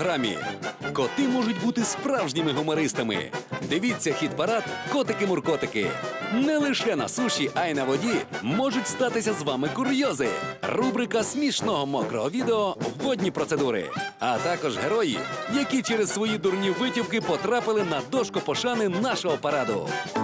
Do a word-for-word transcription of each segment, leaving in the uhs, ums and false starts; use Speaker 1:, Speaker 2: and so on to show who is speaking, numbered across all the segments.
Speaker 1: програмі. Коти можуть бути справжніми гумористами. Дивіться хіт-парад «Котики-муркотики». Не лише на суші, а й на воді можуть статися з вами курйози. Рубрика смішного мокрого відео «Водні процедури». А також герої, які через свої дурні витівки потрапили на дошку пошани нашого параду.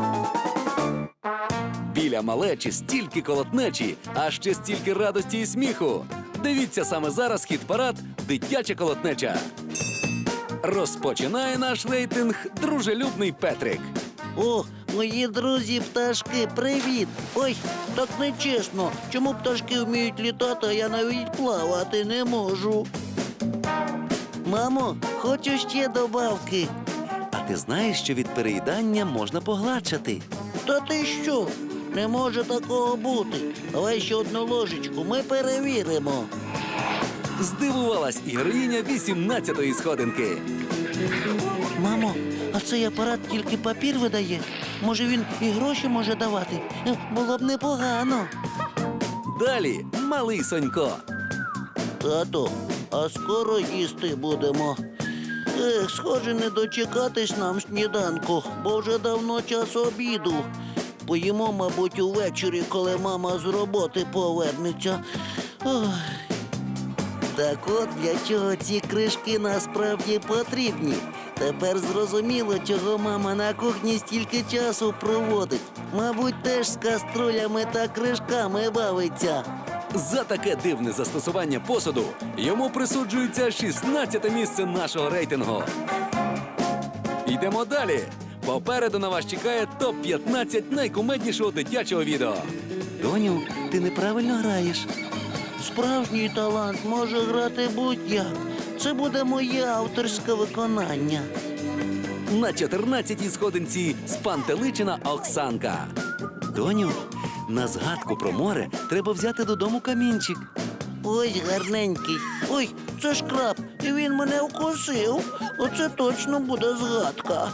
Speaker 1: Біля малечі стільки колотнечі, а ще стільки радості і сміху. Дивіться саме зараз хіт-парад «Дитяча колотнеча». Розпочинає наш рейтинг дружелюбний Петрик.
Speaker 2: О, мої друзі-пташки, привіт! Ой, так нечесно. Чому пташки вміють літати, а я навіть плавати не можу? Мамо, хочу ще добавки.
Speaker 1: А ти знаєш, що від переїдання можна погладшати?
Speaker 2: Та ти що? Не може такого бути. Давай ще одну ложечку, ми перевіримо.
Speaker 1: Здивувалась і героїня вісімнадцятої сходинки.
Speaker 2: Мамо, а цей апарат тільки папір видає? Може, він і гроші може давати? Е, Було б непогано.
Speaker 1: Далі малий Сонько.
Speaker 2: Тато, а скоро їсти будемо. Ех, схоже, не дочекатись нам сніданку, бо вже давно час обіду. Поїмо, мабуть, увечері, коли мама з роботи повернеться. Ох. Так от для чого ці кришки насправді потрібні. Тепер зрозуміло, чого мама на кухні стільки часу проводить. Мабуть, теж з каструлями та кришками бавиться.
Speaker 1: За таке дивне застосування посуду йому присуджується шістнадцяте місце нашого рейтингу. Йдемо далі. Попереду на вас чекає топ п'ятнадцять найкумеднішого дитячого відео.
Speaker 2: Доню, ти неправильно граєш. Справжній талант може грати будь-як. Це буде моє авторське виконання.
Speaker 1: На чотирнадцятій сходинці спантеличена Оксанка. Доню, на згадку про море треба взяти додому камінчик.
Speaker 2: Ось гарненький. Ой, це ж краб, і він мене вкусив. Оце точно буде згадка.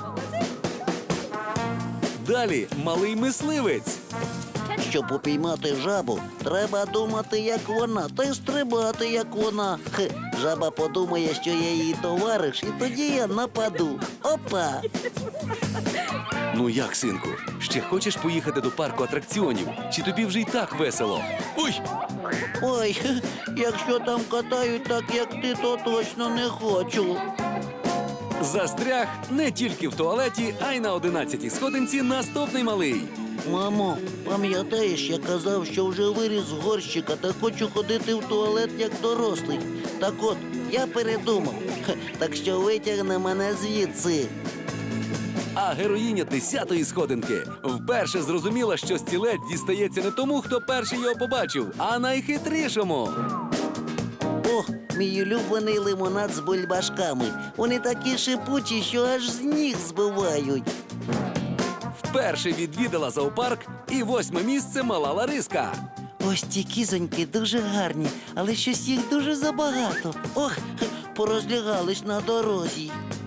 Speaker 1: Далі малий мисливець.
Speaker 2: Щоб упіймати жабу, треба думати, як вона, та й стрибати, як вона. Хе, жаба подумає, що я її товариш, і тоді я нападу. Опа!
Speaker 1: Ну як, синку, ще хочеш поїхати до парку атракціонів? Чи тобі вже й так весело? Ой!
Speaker 2: Ой, хе, якщо там катають так, як ти, то точно не хочу.
Speaker 1: Застряг не тільки в туалеті, а й на одинадцятій сходинці наступний малий.
Speaker 2: Мамо, пам'ятаєш, я казав, що вже виріс з горщика та хочу ходити в туалет як дорослий. Так от, я передумав. Хе, так що витягни мене звідси.
Speaker 1: А героїня десятої сходинки вперше зрозуміла, що стілець дістається не тому, хто перший його побачив, а найхитрішому.
Speaker 2: О, мій улюблений лимонад з бульбашками. Вони такі шипучі, що аж з ніг збивають.
Speaker 1: Вперше відвідала зоопарк і восьме місце мала Лариска.
Speaker 2: Ось ті кізоньки дуже гарні, але щось їх дуже забагато. Ох, хе, порозлягались на дорозі.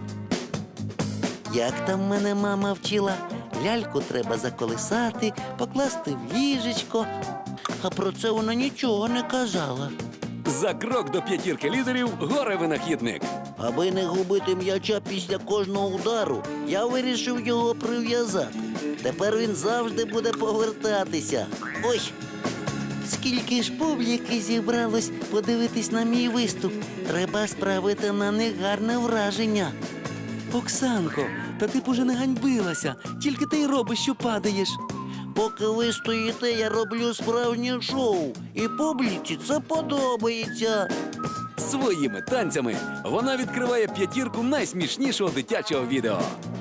Speaker 2: Як там мене мама вчила? Ляльку треба заколисати, покласти в ліжечко. А про це вона нічого не казала.
Speaker 1: За крок до п'ятірки лідерів горе-винахідник.
Speaker 2: Аби не губити м'яча після кожного удару, я вирішив його прив'язати. Тепер він завжди буде повертатися. Ой! Скільки ж публіки зібралось подивитись на мій виступ. Треба справити на них гарне враження.
Speaker 1: Оксанко, та ти б уже не ганьбилася, тільки ти й робиш, що падаєш.
Speaker 2: Поки ви стоїте, я роблю справжнє шоу. І публіці це подобається.
Speaker 1: Своїми танцями вона відкриває п'ятірку найсмішнішого дитячого відео.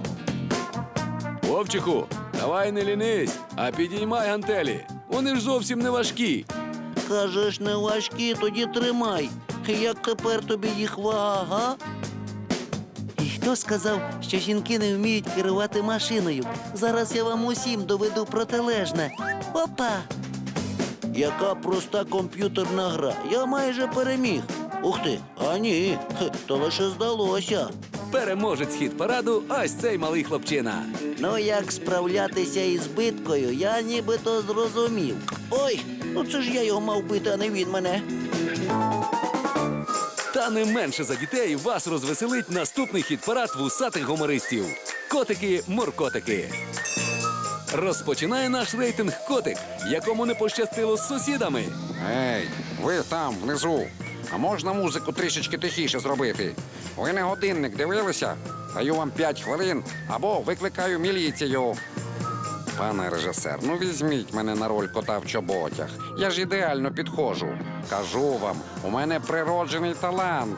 Speaker 1: Вовчику, давай не лінись, а підіймай гантелі. Вони ж зовсім не важкі.
Speaker 2: Кажеш, не важкі, тоді тримай. Як тепер тобі їх вага, га? І хто сказав, що жінки не вміють керувати машиною? Зараз я вам усім доведу протилежне. Опа! Яка проста комп'ютерна гра. Я майже переміг. Ух ти, а ні, хе, то лише здалося.
Speaker 1: Переможець хіт-параду ось цей малий хлопчина.
Speaker 2: Ну, як справлятися із биткою, я нібито зрозумів. Ой, ну це ж я його мав бити, а не він мене.
Speaker 1: Та не менше за дітей вас розвеселить наступний хіт-парад вусатих гумористів. Котики-моркотики. Розпочинає наш рейтинг котик, якому не пощастило з сусідами.
Speaker 3: Ей, ви там, внизу. А можна музику трішечки тихіше зробити? Ви не годинник дивилися? Даю вам п'ять хвилин або викликаю міліцію. Пане режисер, ну візьміть мене на роль кота в чоботях. Я ж ідеально підходжу. Кажу вам, у мене природжений талант.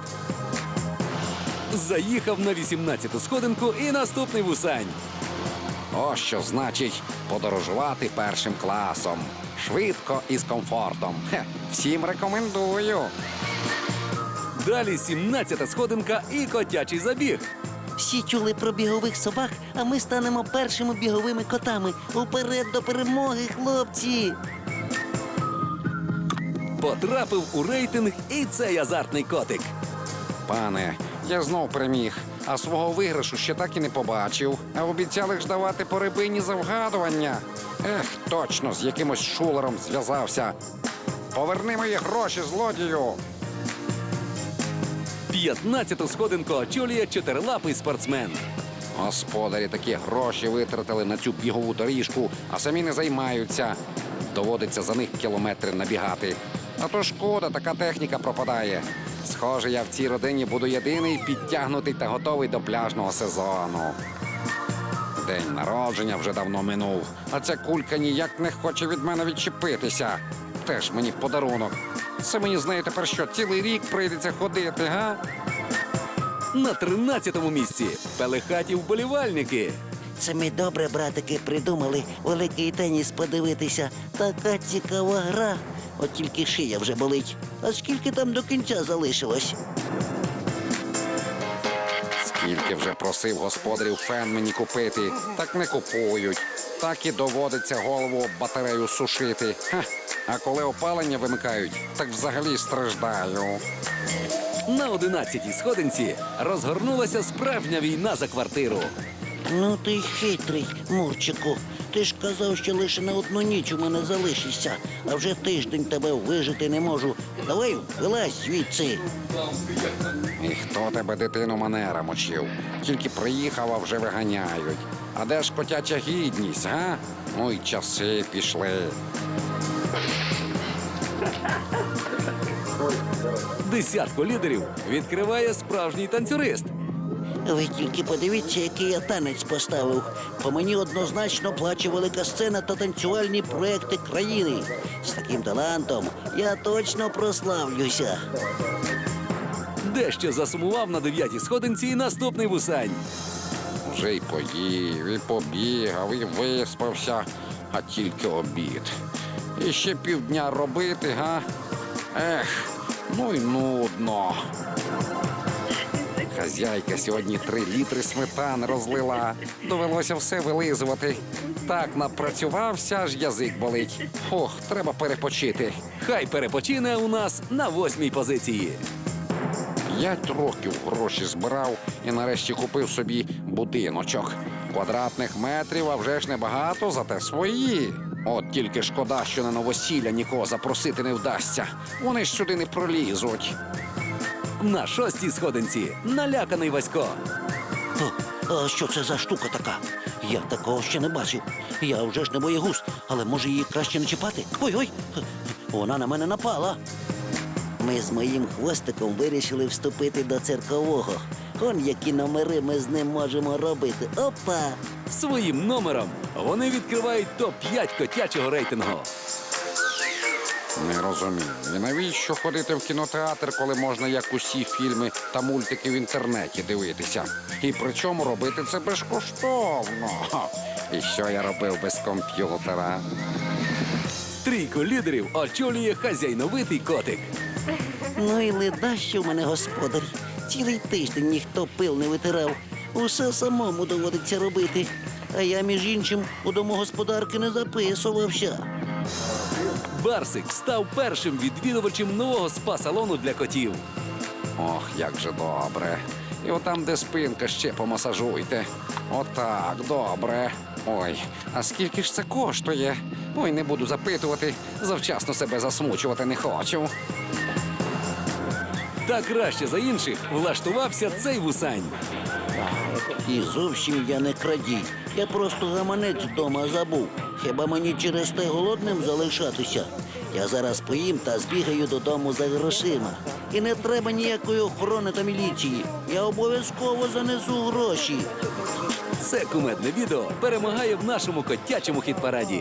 Speaker 1: Заїхав на вісімнадцяту сходинку і наступний вусань.
Speaker 3: Ось що значить подорожувати першим класом. Швидко і з комфортом. Хе, всім рекомендую.
Speaker 1: Далі сімнадцята сходинка і котячий забіг.
Speaker 2: Всі чули про бігових собак, а ми станемо першими біговими котами. Уперед до перемоги, хлопці!
Speaker 1: Потрапив у рейтинг і цей азартний котик.
Speaker 3: Пане, я знов переміг, а свого виграшу ще так і не побачив. А обіцяли ж давати по рибині за вгадування. Ех, точно, з якимось шулером зв'язався. Поверни мої гроші, злодію!
Speaker 1: п'ятнадцяту сходинку очолює чотирилапий спортсмен.
Speaker 3: Господарі такі гроші витратили на цю бігову доріжку, а самі не займаються. Доводиться за них кілометри набігати. А то шкода, така техніка пропадає. Схоже, я в цій родині буду єдиний підтягнутий та готовий до пляжного сезону. День народження вже давно минув, а ця кулька ніяк не хоче від мене відчепитися. Теж мені подарунок. Це мені, з нею тепер що, цілий рік прийдеться ходити, га?
Speaker 1: На тринадцятому місці пелехаті вболівальники.
Speaker 2: Це ми добре, братики, придумали великий теніс подивитися. Така цікава гра. От тільки шия вже болить. А скільки там до кінця залишилось?
Speaker 3: Скільки вже просив господарів фен мені купити, так не купують. Так і доводиться голову об батарею сушити. Ха. А коли опалення вимикають, так взагалі страждаю.
Speaker 1: На одинадцятій сходинці розгорнулася справжня війна за квартиру.
Speaker 2: Ну ти й хитрий, Мурчику. Ти ж казав, що лише на одну ніч у мене залишишся, а вже тиждень тебе вижити не можу. Давай, вилазь звідси.
Speaker 3: І хто тебе, дитину, манерам учив? Тільки приїхав, а вже виганяють. А де ж котяча гідність, га? Ну й часи пішли.
Speaker 1: Десятку лідерів відкриває справжній танцюрист.
Speaker 2: Ви тільки подивіться, який я танець поставив. По мені однозначно плаче велика сцена та танцювальні проекти країни. З таким талантом я точно прославлюся.
Speaker 1: Дещо засумував на дев'ятій сходинці і наступний вусань.
Speaker 3: Вже й поїв, і побігав, і виспався, а тільки обід. І ще півдня робити, га? Ех, ну й нудно. Хазяйка сьогодні три літри сметани розлила. Довелося все вилизувати. Так напрацювався, аж язик болить. Ох, треба перепочити.
Speaker 1: Хай перепочине у нас на восьмій позиції.
Speaker 3: П'ять років гроші збирав і нарешті купив собі будиночок. Квадратних метрів, а вже ж небагато, зате свої. От тільки шкода, що на новосілля нікого запросити не вдасться. Вони ж сюди не пролізуть.
Speaker 1: На шостій сходинці наляканий Васько.
Speaker 2: О, а що це за штука така? Я такого ще не бачив. Я вже ж не боєгуз, але може її краще не чіпати? Ой-ой, вона на мене напала. Ми з моїм хвостиком вирішили вступити до циркового. Он які номери ми з ним можемо робити. Опа!
Speaker 1: Своїм номером вони відкривають топ п'ять котячого рейтингу.
Speaker 3: Не розумію. І навіщо ходити в кінотеатр, коли можна як усі фільми та мультики в інтернеті дивитися? І причому робити це безкоштовно. І що я робив без комп'ютера?
Speaker 1: Трійку лідерів очолює хазяйновитий котик.
Speaker 2: Ну і леда, що в мене господар. Цілий тиждень ніхто пил не витирав. Усе самому доводиться робити. А я, між іншим, у домогосподарки не записувався.
Speaker 1: Барсик став першим відвідувачем нового спа-салону для котів.
Speaker 3: Ох, як же добре. І отам, де спинка, ще помасажуйте. Отак, добре. Ой, а скільки ж це коштує? Ой, не буду запитувати. Завчасно себе засмучувати не хочу.
Speaker 1: Та краще за інших влаштувався цей вусань.
Speaker 2: І зовсім я не крадій. Я просто гаманець вдома забув. Хіба мені через те голодним залишатися? Я зараз поїм та збігаю додому за грошима. І не треба ніякої охорони та міліції. Я обов'язково занесу гроші.
Speaker 1: Це кумедне відео перемагає в нашому котячому хіт-параді.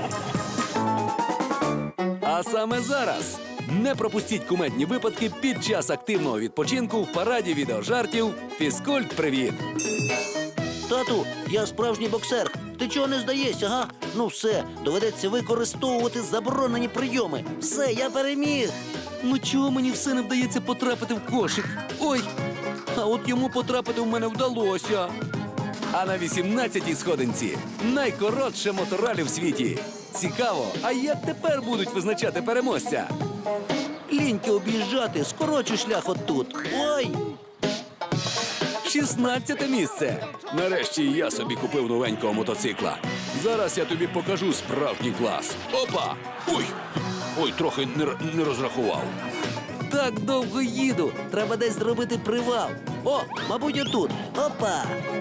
Speaker 1: А саме зараз не пропустіть кумедні випадки під час активного відпочинку в параді відеожартів «Фізкульт-привіт».
Speaker 2: Тату, я справжній боксер. Ти чого не здаєшся, га? Ну все, доведеться використовувати заборонені прийоми. Все, я переміг.
Speaker 1: Ну чого мені все не вдається потрапити в кошик? Ой, а от йому потрапити в мене вдалося. А на вісімнадцятій сходинці найкоротше моторалі в світі. Цікаво, а як тепер будуть визначати переможця?
Speaker 2: Ліньки об'їжджати, скорочу шлях отут. Ой!
Speaker 1: шістнадцяте місце. Нарешті і я собі купив новенького мотоцикла. Зараз я тобі покажу справжній клас. Опа! Ой! Ой, трохи не, р- не розрахував.
Speaker 2: Так довго їду. Треба десь зробити привал. О, мабуть, отут. Опа!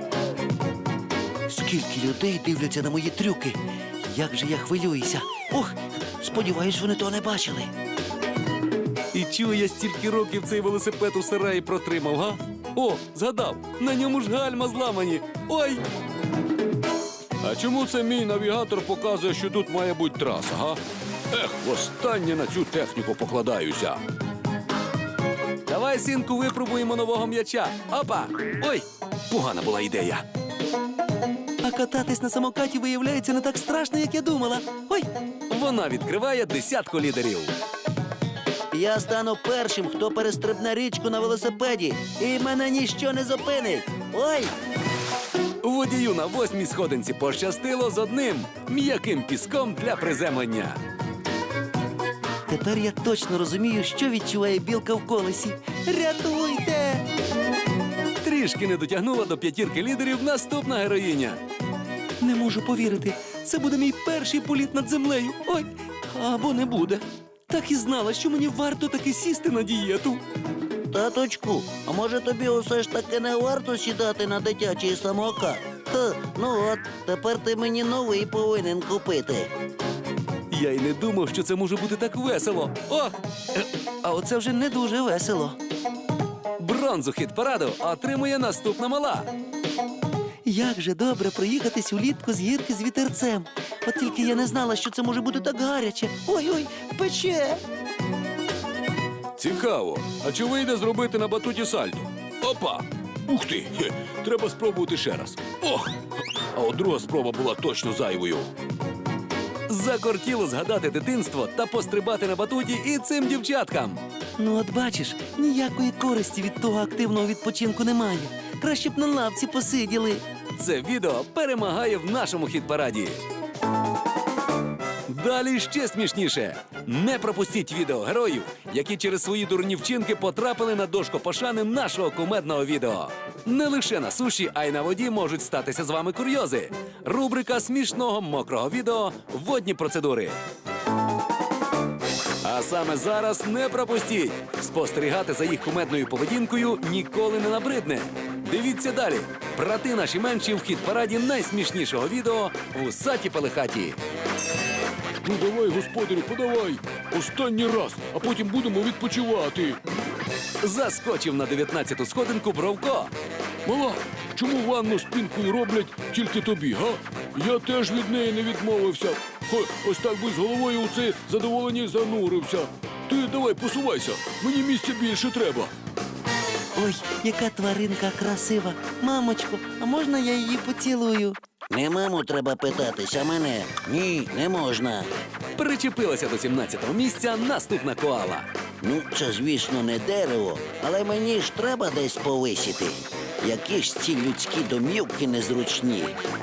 Speaker 2: Скільки людей дивляться на мої трюки. Як же я хвилююся. Ох, сподіваюсь, вони того не бачили.
Speaker 1: І чого я стільки років цей велосипед у сараї протримав, га? О, згадав, на ньому ж гальма зламані. Ой! А чому це мій навігатор показує, що тут має бути траса, га? Ех, востаннє на цю техніку покладаюся. Давай, синку, випробуємо нового м'яча. Опа! Ой, погана була ідея.
Speaker 2: А кататись на самокаті, виявляється, не так страшно, як я думала. Ой!
Speaker 1: Вона відкриває десятку лідерів.
Speaker 2: Я стану першим, хто перестрибне річку на велосипеді. І мене ніщо не зупинить. Ой!
Speaker 1: Водію на восьмій сходинці пощастило з одним м'яким піском для приземлення.
Speaker 2: Тепер я точно розумію, що відчуває білка в колесі. Рятуйте!
Speaker 1: Трішки не дотягнула до п'ятірки лідерів наступна героїня.
Speaker 2: Не можу повірити. Це буде мій перший політ над землею. Ой, або не буде.
Speaker 1: Так і знала, що мені варто таки сісти на дієту.
Speaker 2: Таточку, а може тобі усе ж таки не варто сідати на дитячий самокат? Ха, ну от, тепер ти мені новий повинен купити.
Speaker 1: Я й не думав, що це може бути так весело. Ох! Е,
Speaker 2: А оце вже не дуже весело.
Speaker 1: Бронзу хіт-параду отримує наступна мала.
Speaker 2: Як же добре проїхатись улітку з гірки з вітерцем. От тільки я не знала, що це може бути так гаряче. Ой-ой, пече.
Speaker 1: Цікаво. А чи вийде зробити на батуті сальто? Опа! Ух ти! Хе, треба спробувати ще раз. Ох! А от друга спроба була точно зайвою. Закортіло згадати дитинство та пострибати на батуті і цим дівчаткам.
Speaker 2: Ну от бачиш, ніякої користі від того активного відпочинку немає. Краще б на лавці посиділи.
Speaker 1: Це відео перемагає в нашому хіт-параді. Далі ще смішніше. Не пропустіть відео героїв, які через свої дурні вчинки потрапили на дошку пошани нашого кумедного відео. Не лише на суші, а й на воді можуть статися з вами курйози. Рубрика смішного мокрого відео «Водні процедури». А саме зараз не пропустіть. Спостерігати за їх кумедною поведінкою ніколи не набридне. Дивіться далі. Брати наші менші в хіт-параді найсмішнішого відео «Вусаті пелехаті».
Speaker 4: Ну давай, господарю, подавай. Останній раз, а потім будемо відпочивати.
Speaker 1: Заскочив на дев'ятнадцяту сходинку Бровко.
Speaker 4: Мала, чому ванну з пінкою роблять тільки тобі, га? Я теж від неї не відмовився. Хо, ось так би з головою у це задоволення занурився. Ти давай посувайся, мені місця більше треба.
Speaker 2: Ой, яка тваринка красива. Мамочко, а можна я її поцілую? Не маму треба питатись, а мене. Ні, не можна.
Speaker 1: Причепилася до сімнадцятого місця наступна коала.
Speaker 2: Ну, це, звісно, не дерево, але мені ж треба десь повисіти. Які ж ці людські домівки незручні.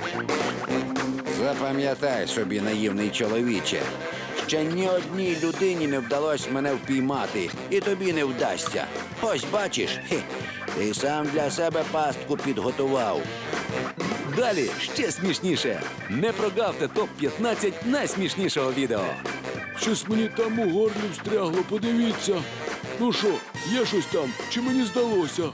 Speaker 3: Запам'ятай собі, наївний чоловіче. Ще ні одній людині не вдалося мене впіймати, і тобі не вдасться. Ось бачиш, хе, ти сам для себе пастку підготував.
Speaker 1: Далі ще смішніше. Не прогавте топ п'ятнадцять найсмішнішого відео.
Speaker 4: Щось мені там у горлі встрягло, подивіться. Ну що, є щось там? Чи мені здалося?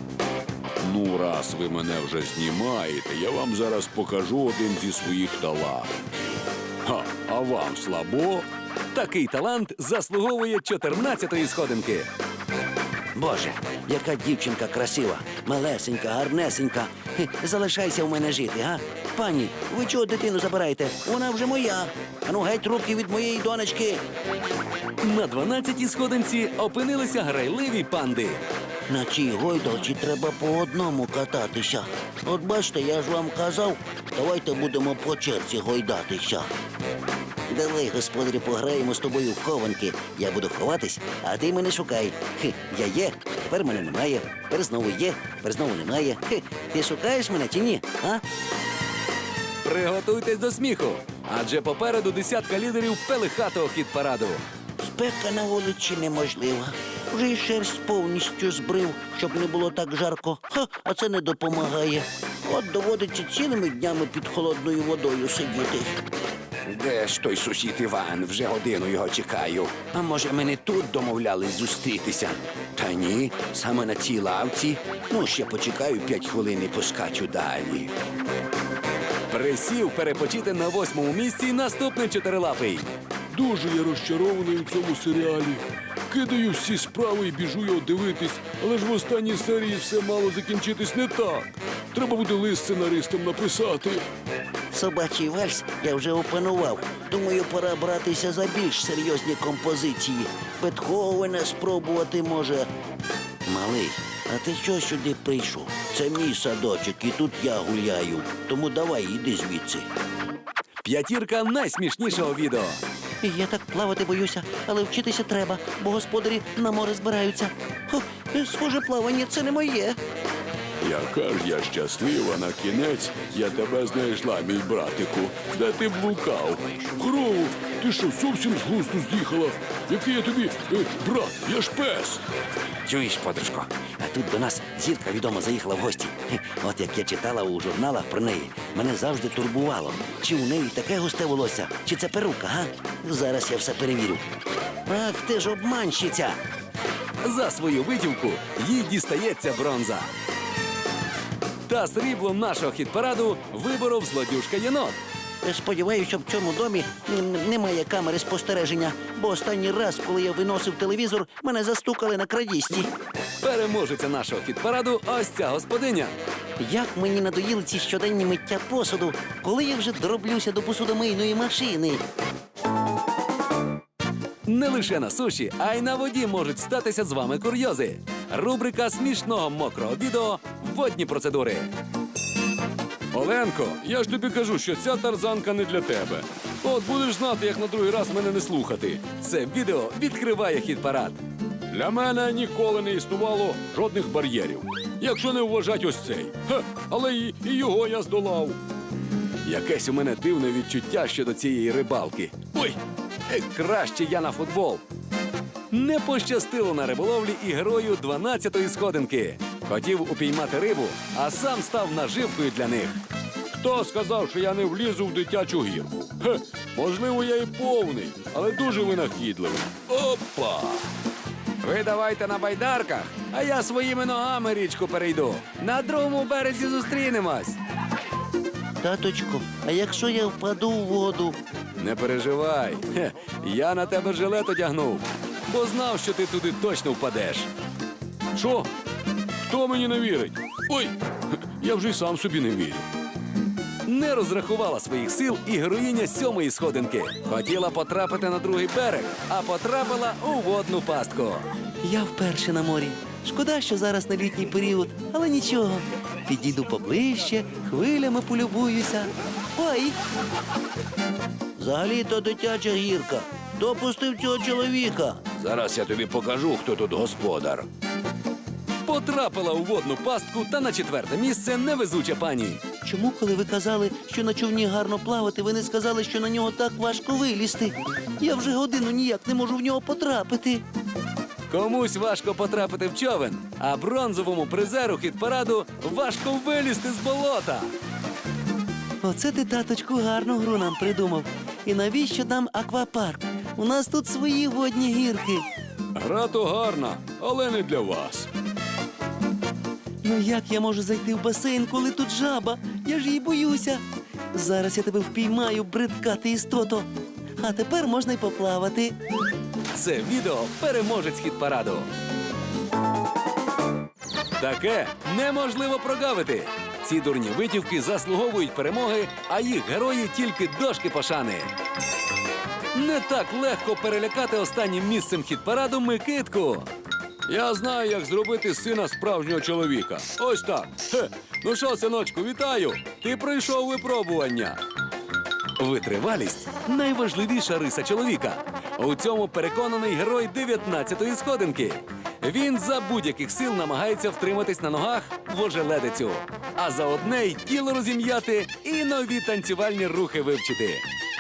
Speaker 4: Ну, раз ви мене вже знімаєте, я вам зараз покажу один зі своїх талантів. Ха, а вам слабо?
Speaker 1: Такий талант заслуговує чотирнадцятої сходинки.
Speaker 2: Боже, яка дівчинка красива, малесенька, гарнесенька. Хе, залишайся в мене жити, га? Пані, ви чого дитину забираєте? Вона вже моя. Ану, геть руки від моєї донечки.
Speaker 1: На дванадцятій сходинці опинилися грайливі панди.
Speaker 2: На цій гойдалці треба по одному кататися. От бачите, я ж вам казав, давайте будемо по черзі гойдатися. Давай, господарю, пограємо з тобою в хованки. Я буду ховатись, а ти мене шукай. Хе, я є, тепер мене немає, тепер знову є, тепер знову немає. Хе, ти шукаєш мене чи ні? А?
Speaker 1: Приготуйтесь до сміху, адже попереду десятка лідерів пелихатого хіт-параду.
Speaker 2: Спека на вулиці неможлива. Вже й шерсть повністю збрив, щоб не було так жарко. Ха, а це не допомагає. От доводиться цілими днями під холодною водою сидіти.
Speaker 3: Де ж той сусід Іван? Вже годину його чекаю. А може, ми не тут домовлялись зустрітися? Та ні, саме на цій лавці. Ну, ще почекаю п'ять хвилин і поскачу далі.
Speaker 1: Присів перепочити на восьмому місці наступний чотирилапий.
Speaker 4: Дуже я розчарований у цьому серіалі. Кидаю всі справи і біжу його дивитись, але ж в останній серії все мало закінчитись не так. Треба буде лист сценаристам написати.
Speaker 2: Собачий вальс я вже опанував. Думаю, пора братися за більш серйозні композиції. Бетховена спробувати може. Малий, а ти що сюди прийшов? Це мій садочок, і тут я гуляю. Тому давай, іди звідси.
Speaker 1: П'ятірка найсмішнішого відео.
Speaker 2: Я так плавати боюся, але вчитися треба, бо господарі на море збираються. Хо, схоже, плавання це не моє.
Speaker 4: Яка ж я щаслива, на кінець я тебе знайшла, мій братику. Де ти блукав? Корову, ти що, зовсім з глузду з'їхала? Який я тобі, е, брат, я ж пес.
Speaker 2: Чуєш, подружко, а тут до нас зірка відома заїхала в гості. Хе, от як я читала у журналах про неї, мене завжди турбувало. Чи у неї таке густе волосся, чи це перука, га? Зараз я все перевірю. Ах, ти ж обманщиця!
Speaker 1: За свою витівку їй дістається бронза. Та сріблом нашого хіт-параду виборов злодюжка єнот.
Speaker 2: Сподіваюся, що в цьому домі м, немає камери спостереження, бо останній раз, коли я виносив телевізор, мене застукали на крадісті.
Speaker 1: Переможеця нашого хіт-параду ось ця господиня.
Speaker 2: Як мені надоїли ці щоденні миття посуду, коли я вже дороблюся до посудомийної машини.
Speaker 1: Не лише на суші, а й на воді можуть статися з вами курйози. Рубрика смішного мокрого відео «Водні процедури».
Speaker 4: Оленко, я ж тобі кажу, що ця тарзанка не для тебе. От будеш знати, як на другий раз мене не слухати.
Speaker 1: Це відео відкриває хіт-парад.
Speaker 4: Для мене ніколи не існувало жодних бар'єрів. Якщо не вважать ось цей. Хе, але і, і його я здолав.
Speaker 1: Якесь у мене дивне відчуття щодо цієї рибалки. Ой, е, краще я на футбол. Не пощастило на риболовлі і герою дванадцятої сходинки. Хотів упіймати рибу, а сам став наживкою для них.
Speaker 4: Хто сказав, що я не влізу в дитячу гірку? Хе, можливо, я і повний, але дуже винахідливий.
Speaker 1: Опа! Ви давайте на байдарках, а я своїми ногами річку перейду. На другому березі зустрінемось.
Speaker 2: Таточко, а якщо я впаду в воду?
Speaker 1: Не переживай. Хе, я на тебе жилет одягнув, бо знав, що ти туди точно впадеш.
Speaker 4: Що? Хто мені не вірить? Ой, я вже й сам собі не вірю.
Speaker 1: Не розрахувала своїх сил і героїня сьомої сходинки. Хотіла потрапити на другий берег, а потрапила у водну пастку.
Speaker 2: Я вперше на морі. Шкода, що зараз на літній період, але нічого. Підійду поближче, хвилями полюбуюся. Ой! Взагалі-то дитяча гірка. Хто пустив цього чоловіка?
Speaker 4: Зараз я тобі покажу, хто тут господар.
Speaker 1: Потрапила у водну пастку та на четверте місце невезуча пані.
Speaker 2: Чому, коли ви казали, що на човні гарно плавати, ви не сказали, що на нього так важко вилізти? Я вже годину ніяк не можу в нього потрапити.
Speaker 1: Комусь важко потрапити в човен, а бронзовому призеру хіт-параду важко вилізти з болота.
Speaker 2: Оце ти, таточку, гарну гру нам придумав. І навіщо нам аквапарк? У нас тут свої водні гірки.
Speaker 4: Гра то гарна, але не для вас.
Speaker 5: Ну як я можу зайти в басейн, коли тут жаба? Я ж її боюся. Зараз я тебе впіймаю, бридка ти істото. А тепер можна й поплавати.
Speaker 1: Це відео переможець хіт-параду. Таке неможливо прогавити. Ці дурні витівки заслуговують перемоги, а їх герої тільки дошки пошани. Не так легко перелякати останнім місцем хіт-параду Микитку.
Speaker 4: Я знаю, як зробити з сина справжнього чоловіка. Ось так. Хе. Ну що, синочку, вітаю! Ти пройшов випробування.
Speaker 1: Витривалість – найважливіша риса чоловіка. У цьому переконаний герой дев'ятнадцятої сходинки. Він за будь-яких сил намагається втриматись на ногах в ожеледицю. А за одне й тіло розім'яти і нові танцювальні рухи вивчити.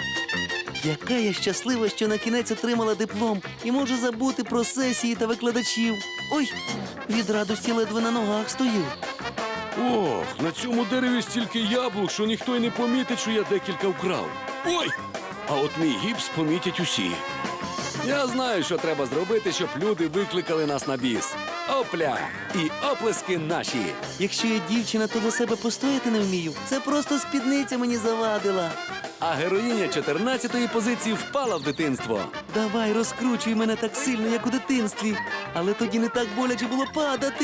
Speaker 5: Яка я щаслива, що на кінець отримала диплом і можу забути про сесії та викладачів. Ой, від радості ледве на ногах стою.
Speaker 4: Ох, на цьому дереві стільки яблук, що ніхто й не помітить, що я декілька вкрав. Ой! А от мій гіпс помітять усі.
Speaker 1: Я знаю, що треба зробити, щоб люди викликали нас на біс. Опля! І оплески наші.
Speaker 5: Якщо я дівчина, то за себе постояти не вмію. Це просто спідниця мені завадила.
Speaker 1: А героїня чотирнадцятої позиції впала в дитинство.
Speaker 5: Давай, розкручуй мене так сильно, як у дитинстві. Але тоді не так боляче було падати.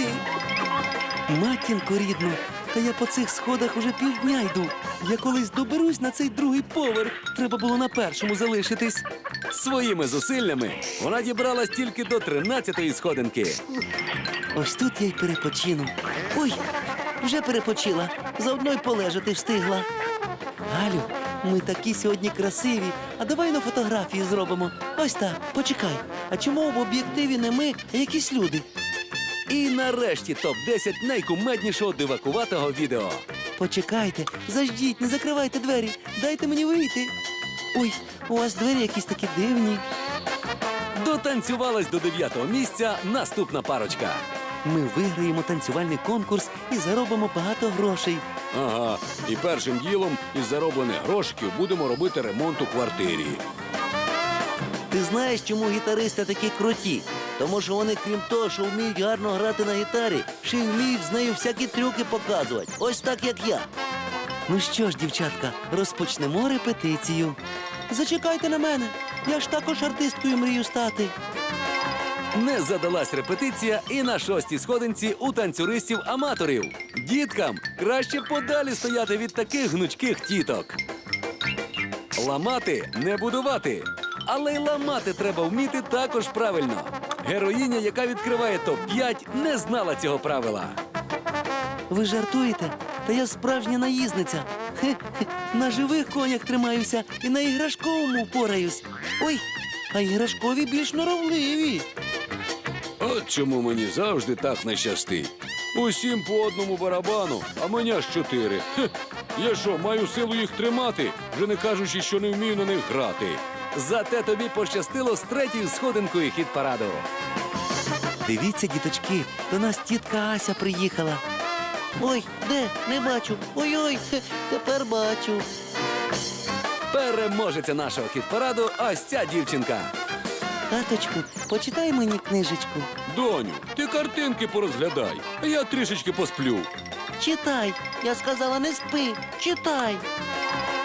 Speaker 5: Матінко рідну, та я по цих сходах уже півдня йду. Я колись доберусь на цей другий поверх. Треба було на першому залишитись.
Speaker 1: Своїми зусиллями вона дібралась тільки до тринадцятої сходинки.
Speaker 5: Ось тут я й перепочину. Ой, вже перепочила. Заодно й полежати встигла. Галю, ми такі сьогодні красиві. А давай на фотографії зробимо. Ось так, почекай. А чому в об'єктиві не ми, а якісь люди?
Speaker 1: І нарешті топ десять найкумеднішого дивакуватого відео.
Speaker 5: Почекайте, заждіть, не закривайте двері. Дайте мені вийти. Ой, у вас двері якісь такі дивні.
Speaker 1: Дотанцювалась до дев'ятого місця наступна парочка.
Speaker 5: Ми виграємо танцювальний конкурс і заробимо багато грошей.
Speaker 4: Ага, і першим ділом із зароблених грошиків будемо робити ремонт у квартирі.
Speaker 2: Ти знаєш, чому гітаристи такі круті? Тому що вони, крім того, що вміють гарно грати на гітарі, ще й вміють з нею всякі трюки показувати. Ось так, як я.
Speaker 5: Ну що ж, дівчатка, розпочнемо репетицію. Зачекайте на мене. Я ж також артисткою мрію стати.
Speaker 1: Не задалась репетиція і на шостій сходинці у танцюристів-аматорів. Діткам краще подалі стояти від таких гнучких тіток. Ламати не будувати. Але й ламати треба вміти також правильно. Героїня, яка відкриває топ п'ять, не знала цього правила.
Speaker 5: Ви жартуєте? Та я справжня наїзниця. Хе-хе, на живих конях тримаюся і на іграшковому впораюсь. Ой, а іграшкові більш норовливі.
Speaker 4: От чому мені завжди так не щастить. Усім по одному барабану, а мені аж чотири. Хе. Я що, маю силу їх тримати, вже не кажучи, що не вмію на них грати.
Speaker 1: Зате тобі пощастило з третьою сходинкою хіт-параду.
Speaker 5: Дивіться, діточки, до нас тітка Ася приїхала.
Speaker 2: Ой, де? Не бачу. Ой-ой, хе, тепер бачу.
Speaker 1: Переможеця нашого хіт-параду ось ця дівчинка.
Speaker 5: Таточку, почитай мені книжечку.
Speaker 4: Доню, ти картинки порозглядай, а я трішечки посплю.
Speaker 2: Читай. Я сказала, не спи. Читай.